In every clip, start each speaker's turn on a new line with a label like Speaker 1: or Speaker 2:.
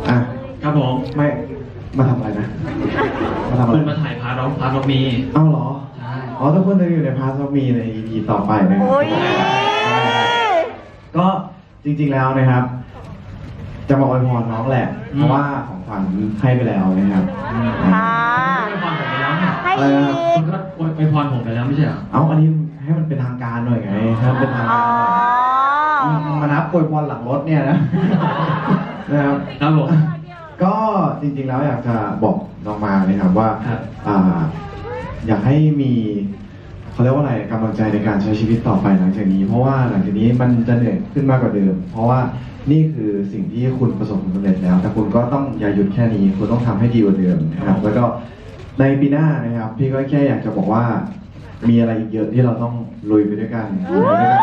Speaker 1: อ่ะ
Speaker 2: ครับผม
Speaker 1: ไม่มาทำอะไรนะมาทำอะไร
Speaker 2: คุณมาถ่ายพาร์ทเรามี
Speaker 1: เอ้าเหรอ
Speaker 2: ใช่
Speaker 1: อ๋อทุกคนจะอยู่ในพาร์ทเรามีใน EP ต่อไปนะครับ
Speaker 3: โอ้ย
Speaker 1: ก็จริงๆแล้วนะครับ จะมาอวยพรน้องแหละ เพราะว่าของขวัญให้ไปแล้วนะครับ
Speaker 3: ค่ะ
Speaker 2: อวยพรผมไปแล้วเนี่ย
Speaker 3: ให้อีก
Speaker 2: คุณก็อวยพรผมไปแล้วไม่ใช่เหรอ
Speaker 1: เอาอันนี้ให้มันเป็นทางการหน่อยไงให้มันเป็นทาง
Speaker 3: อ๋
Speaker 1: กา
Speaker 3: อ
Speaker 1: รหน่อยมานับอวยพรหลังรถเนี่ยนะ นะครับ
Speaker 2: ครับผม
Speaker 1: ก็จริงๆแล้วอยากจะบอกน้องมานะครับว่า
Speaker 2: ครับ
Speaker 1: อยากให้มีเขาเรียกว่าอะไรกำลังใจในการใช้ชีวิตต่อไปหลังจากนี้ เพราะว่าหลังจากนี้มันจะเหนื่อยขึ้นมากกว่าเดิม เพราะว่านี่คือสิ่งที่คุณประสบผลสำเร็จแล้ว แต่คุณก็ต้องอย่าหยุดแค่นี้คุณต้องทำให้ดีกว่าเดิมนะครับ แล้วก็ในปีหน้านะครับ พี่ก็แค่อยากจะบอกว่า มีอะไรอีกเยอะที่เราต้องลุยไปด้วยกันลุยไปด้วยกัน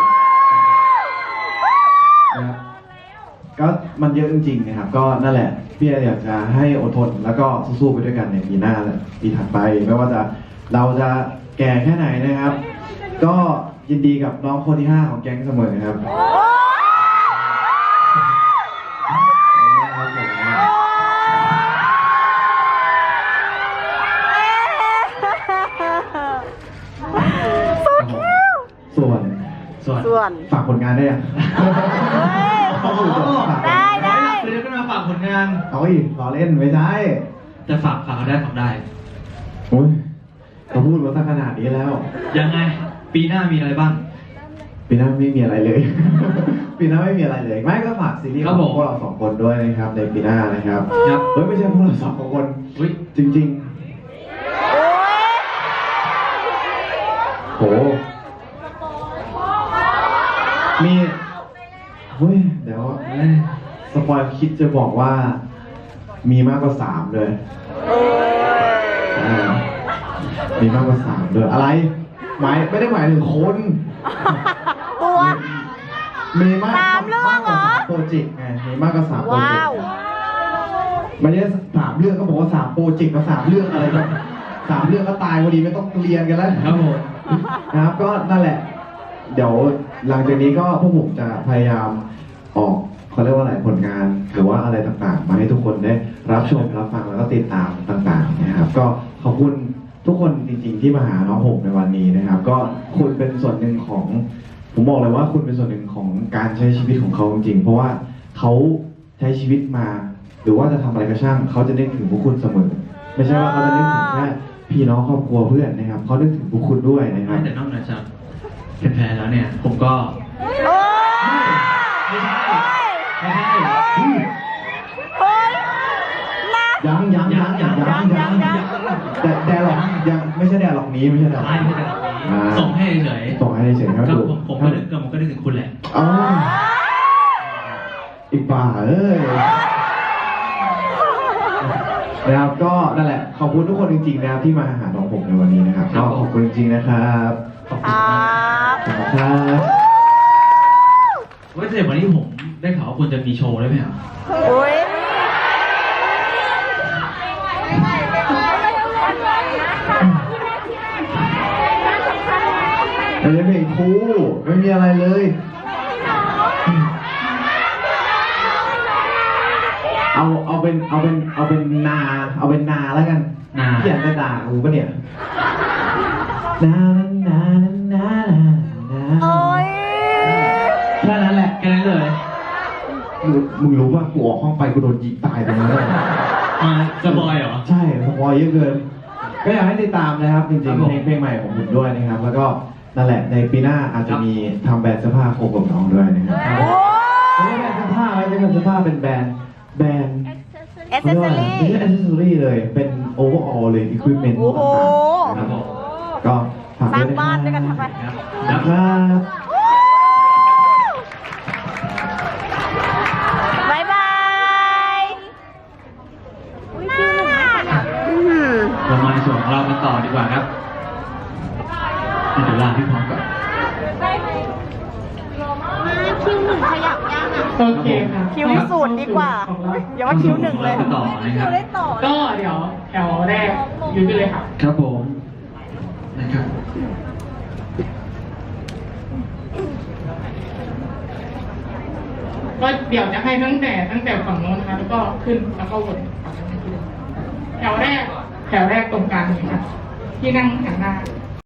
Speaker 1: นะครับก็มันเยอะจริงๆนะครับ ก็นั่นแหละพี่อยากจะให้อดทนแล้วก็สู้ๆไปด้วยกันในปีหน้าและปีถัดไป ไม่ว่าจะเราจะแก่แค่ไหนนะครับ ก็ยินดีกับน้องคนที่ 5 ของแก๊งเสมอนะครับส่วน
Speaker 3: ส่วน
Speaker 1: ฝากผลงานได้ยัง
Speaker 3: ได้ได้
Speaker 2: คือจะขึ้นมาฝากผลงาน
Speaker 1: เอาอีกล้อเล่นไม่ได้
Speaker 2: จะฝากเขาได้ฝากได้
Speaker 1: โอ้ยเขาพูดมาตั้งขนาดนี้แล้ว
Speaker 2: ยังไง ปีหน้ามีอะไรบ้าง
Speaker 1: ปีหน้าไม่มีอะไรเลย ปีหน้าไม่มีอะไรเลย ไม่ก็ฝากซีรีส์
Speaker 2: ค
Speaker 1: ข
Speaker 2: รั
Speaker 1: อบ ง
Speaker 2: ผม
Speaker 1: พวกเราสองคนด้วยนะครับในปีหน้านะครับ
Speaker 2: ครับ
Speaker 1: เฮ้ยไม่ใช่พวกเราสองคน
Speaker 2: อุ้ย
Speaker 1: จริง
Speaker 3: โอ้ย
Speaker 1: ๆ โห มีเฮ้ยเดี๋ยวสปอยคิดจะบอกว่า มีมากกว่า3เลย มีมากกว่า3เลยอะไรไม่ได้หมายถึงคน
Speaker 3: ตัว
Speaker 1: มีมาก
Speaker 3: 3เรื่อง
Speaker 1: มากกว่า
Speaker 3: เหรอ
Speaker 1: 3โปรเจกต์ไงมีมากกว่า3โปรเจก
Speaker 3: ว้าว
Speaker 1: ต์ไม่ใช่3เรื่องก็บอกว่า3โปรเจกต์กับ3เรื่องอะไรแบบ3เรื่องก็ตายพอดีไม่ต้องเรียนกันแล้ว
Speaker 2: ครับผม
Speaker 1: นะครับก็นั่นแหละ เดี๋ยวหลังจากนี้ก็พวกผมจะพยายามออกเขาเรียกว่าอะไรผลงาน หรือว่าอะไรต่างๆ มาให้ทุกคนได้รับชมรับฟังแล้วก็ติดตามต่างๆนะครับ ก็ขอบคุณทุกคนจริงๆที่มาหาน้องผมในวันนี้นะครับ ก็คุณเป็นส่วนหนึ่งของ ผมบอกเลยว่าคุณเป็นส่วนหนึ่งของการใช้ชีวิตของเขาจริงๆเพราะว่าเขาใช้ชีวิตมา หรือว่าจะทำอะไรก็ช่างเขาจะนึกถึงพวกคุณเสมอ ไม่ใช่ว่าเขาจะนึกถึงแค่พี่น้องครอบครัวเพื่อนนะครับเขานึกถึงพวกคุณด้วยนะครับ
Speaker 2: แต่นอกจากเป็นแพ้แล้วเนี่ย ผมก็
Speaker 3: โอ้ย
Speaker 2: ไม่ใช่ไม่ใช่
Speaker 3: โอ้ยนะ
Speaker 1: ยังแต่แดร์หรอกยังไม่ใช่แดร์หรอกนี้ไม่ใช่แดร์หรอก
Speaker 2: ไม่ใช่แบบนี้ส่งให้เฉย
Speaker 1: ส่งให้เฉยๆครับ
Speaker 2: ก็
Speaker 1: ดู
Speaker 2: ผมก็นึกถึงคุณแหละ
Speaker 1: อ๋ออีกป่าเอ้ยนะครับก็นั่นแหละขอบคุณทุกคนจริงๆนะครับที่มาหาน้องผมในวันนี้นะครับก็ขอบคุณจริงๆนะครับ
Speaker 2: ขอบ
Speaker 3: ค
Speaker 2: คุณ
Speaker 3: รั
Speaker 2: มาก
Speaker 3: บ
Speaker 1: ขอบคุณครับ
Speaker 2: ว่าแต่วันนี้ผมได้ข่าวว่าคุณจะมีโชว์ด้วยไหมครับ
Speaker 3: โอ้ย
Speaker 1: ไม่ใช่เพลงคู่ไม่มีอะไรเลยเอาเป็นนาแล้วกัน
Speaker 2: นา
Speaker 1: เขียนจะด่ากูปะเนี่ยนานานานา
Speaker 3: โอ้ย
Speaker 1: แค่นั้นแหละ
Speaker 2: แค่นั้นเลย
Speaker 1: มึงรู้ว่ากูออกห้องไปกูโดนยิงตายตรงนั้นเลย
Speaker 2: มาสปอยเหรอ
Speaker 1: ใช่สปอยเยอะเกิน ก็อยากให้ติดตามนะครับ จริง
Speaker 2: ครับ
Speaker 1: ๆ
Speaker 2: ผม
Speaker 1: เพลงใหม่ของผมด้วยนะครับ แล้วก็นั่นแหละในปีหน้าอาจจะมีทำแบรนด์เสื้อผ้าโคกับน้องด้วยนะครับ
Speaker 3: โอ้
Speaker 1: ไม่ใช่แบรนด์เสื้อผ้าไม่ใช่แบรนด์เสื้อผ้าเป็นแบรนด์
Speaker 3: เอเซสซอรี่
Speaker 1: ไม่ใช่ accessory เลย เป็น overall เลย equipment
Speaker 3: โอ้โห
Speaker 1: ต่างๆนะครับก็ฝาก
Speaker 3: สร้าง
Speaker 1: ด้วย
Speaker 3: บ้านด้วยกันทำไม
Speaker 2: ครับ
Speaker 1: นะครับ
Speaker 3: บายบายอืม
Speaker 2: เรามาในส่วนของเรากันต่อดีกว่าครับเดี๋ยวลาพี่พร้อมก่อน
Speaker 4: คิวหนึ่งขยับยังอ่ะ
Speaker 5: โอเคค่ะ
Speaker 3: คิวศูนย์ดีกว่า อย่าว่าคิวหนึ่งเลย
Speaker 2: ต่อนะครับ
Speaker 5: ก็เดี๋ยวแถวแรกยืนไปเลยค่ะ
Speaker 2: ครับผมนะครับ
Speaker 5: ก็เดี๋ยวจะให้ตั้งแต่ฝั่งโน้นนะคะแล้วก็ขึ้นแล้วก็วนฝั่งนั้นทีเดียวแถวแรกตรงกลางเลยค่ะที่นั่งหันหน้า